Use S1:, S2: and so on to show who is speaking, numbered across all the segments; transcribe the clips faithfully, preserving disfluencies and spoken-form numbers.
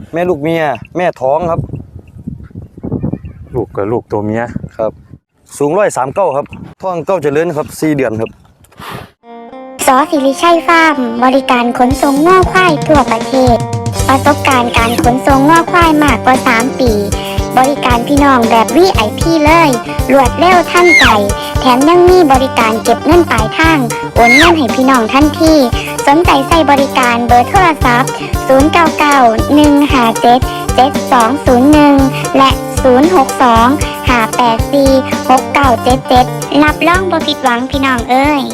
S1: แม่ลูกเมียแม่ท้องครับ
S2: ลูกกับลูกตัวเมีย
S1: ครับสูงร้อยสามเก้าครับท้องเก้าเจริญครับสี่เดือนครับ
S3: สอศิริชัยฟาร์มบริการขนส่งง่อควายทั่วประเทศประสบการณ์การขนส่งง่อควายมากกว่าสามปีบริการพี่น้องแบบ วี ไอ พี เลยรวดเร็วทันใจแถมยังมีบริการเก็บเงินปลายทางโอนเงินให้พี่น้องทันทีสนใจใส่บริการเบอร์โทรศัพท์ศูนย์ เก้า เก้า หนึ่ง ห้า เจ็ด เจ็ด สอง ศูนย์ หนึ่งและศูนย์ หก สอง ห้า แปด สี่ หก เก้า เจ็ด เจ็ดรับรองบ่ผิดหวังพี่น้องเอ้ย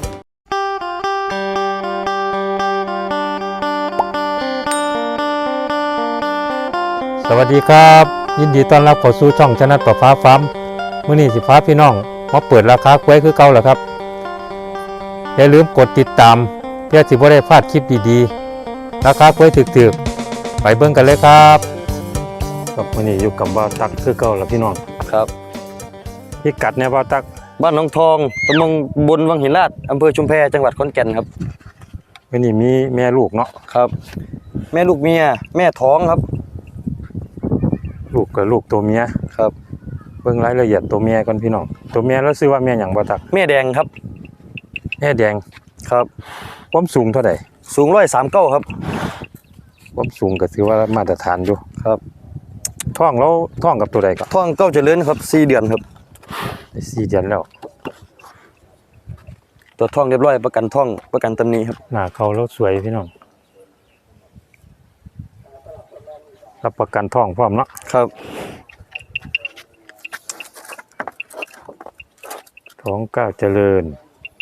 S2: สวัสดีครับยินดีต้อนรับเข้าสู่ช่องชนะประฟ้าฟาร์มมื้อนี้สิฟ้าพี่น้องมาเปิดราคากล้วยคือเก่าแล้วครับอย่าลืมกดติดตามเพื่อสิบ่ได้พลาดคลิปดีๆราคากล้วยถึกๆไปเบิ่งกันเลยครับครับมื้อนี้อยู่กับบ่าวตักคือเก่าแล้วพี่น้อง
S1: ครับ
S2: พิกัดเนี่ยบ่าวตัก
S1: บ้านหนองทองตำบลบนวังหินลาดอำเภอชุมแพจังหวัดขอนแก่นครับ
S2: มื้อนี้มีแม่ลูกเนาะ
S1: ครับแม่ลูกเมียแม่ท้องครับ
S2: ลูกกับลูกตัวเมีย
S1: ครับ
S2: เบิ่งรายละเอียดตัวเมียก่อนพี่น้องตัวเมียแล้วชื่อว่าแม่หยังบ่ตัก
S1: แม่แดงครับ
S2: แม่แดง
S1: ครับ
S2: ความสูงเท่าใด
S1: สูงร้อยสามเก้าครับ
S2: ความสูงก็ถือว่ามาตรฐานอยู่
S1: ครับ
S2: ท้องแล้วท้องกับตัวใดก็
S1: ท้องเก้าเจริญครับสี่เดือนครับ
S2: สี่เดือนแล้ว
S1: ตัวท้องเรียบร้อยประกันท้องประกันตำหนิครับ
S2: หน้าเขาแล้วสวยพี่น้องรับประกันท้องพร้อมเนาะ
S1: ครับ
S2: ท้องก้าวเจริญ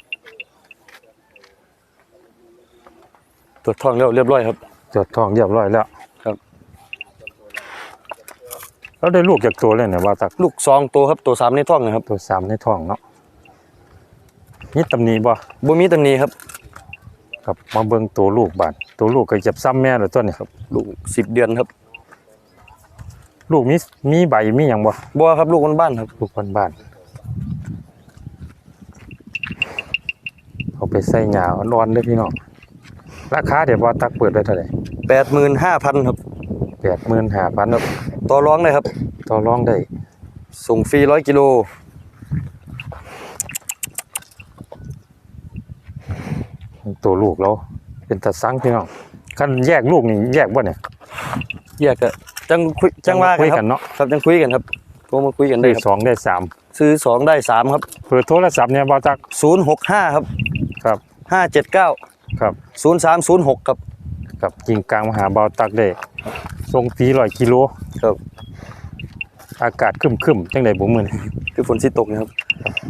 S1: ตัวท้องแล้วเรียบร้อยครับ
S2: ตัวท้องเรียบร้อยแล้ว
S1: ครับ
S2: แล้วได้ลูกจากตัวเลยเนี่ยว่าตัก
S1: ลูกสองตัวครับตัวสามในท้องนะครับ
S2: ตัวสามในท้องเนาะนี่ตำหนิบ่
S1: บ่มีตำหนิครับ
S2: ครับมาเบิ่งตัวลูกบาดตัวลูกก็จะซ้ำแม่แล้วตัวนี้ครับ
S1: ลูกสิบเดือนครับ
S2: ลูกมีมีใบมีหยังบ่
S1: บ่ครับลูกบ้านๆครับ
S2: ลูกบ้านๆเอาไปใส่หญ้าอ่อนๆเด้อพี่น้องราคาเดี๋ยวบ่ตักเปิดได้เท่าไหร่
S1: แปดหมื่นห้าพัน ครับ
S2: แปดหมื่นห้าพัน ครับ
S1: ต่อรองได้ครับ
S2: ต่อรองได้
S1: ส่งฟรีหนึ่งร้อยกิโล
S2: ตัวลูกเราเป็นตาสังพี่น้องคันแยกลูกนี่แยกบ่เนี่ย
S1: แยกก็จังคุยจังว่ากันเนาะครับจังคุยกันครับโทรมาคุยกันได้
S2: สองได้สาม
S1: ซื้อสองได้สามครับ
S2: เปิดโทรศัพท์เนี่ยบ่าวตัก
S1: ศูนย์ หก ห้าครับ
S2: ครับ
S1: ห้า เจ็ด เก้า
S2: ครับ
S1: ศูนย์ สาม ศูนย์ หกครับ
S2: กับกิ่งกลางมหาบ่าวตักได้ส่งฟรีหนึ่งร้อยกิโล
S1: ครับ
S2: อากาศครึมๆจังได๋บ่มื้อนี้
S1: คือฝนสิตกนะครับ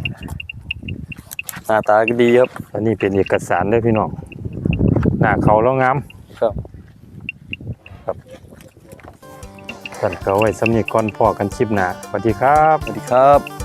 S1: หน้าตาก็ดีครับ
S2: อันนี้เป็นเอกสารเด้อพี่น้องหน้าเขาแล้วงาม
S1: ครับ
S2: ครับท่านก็ไว้สำนีก่อนพอกันคลิปหน้าสวัสดีครับ
S1: สวัสดีครับ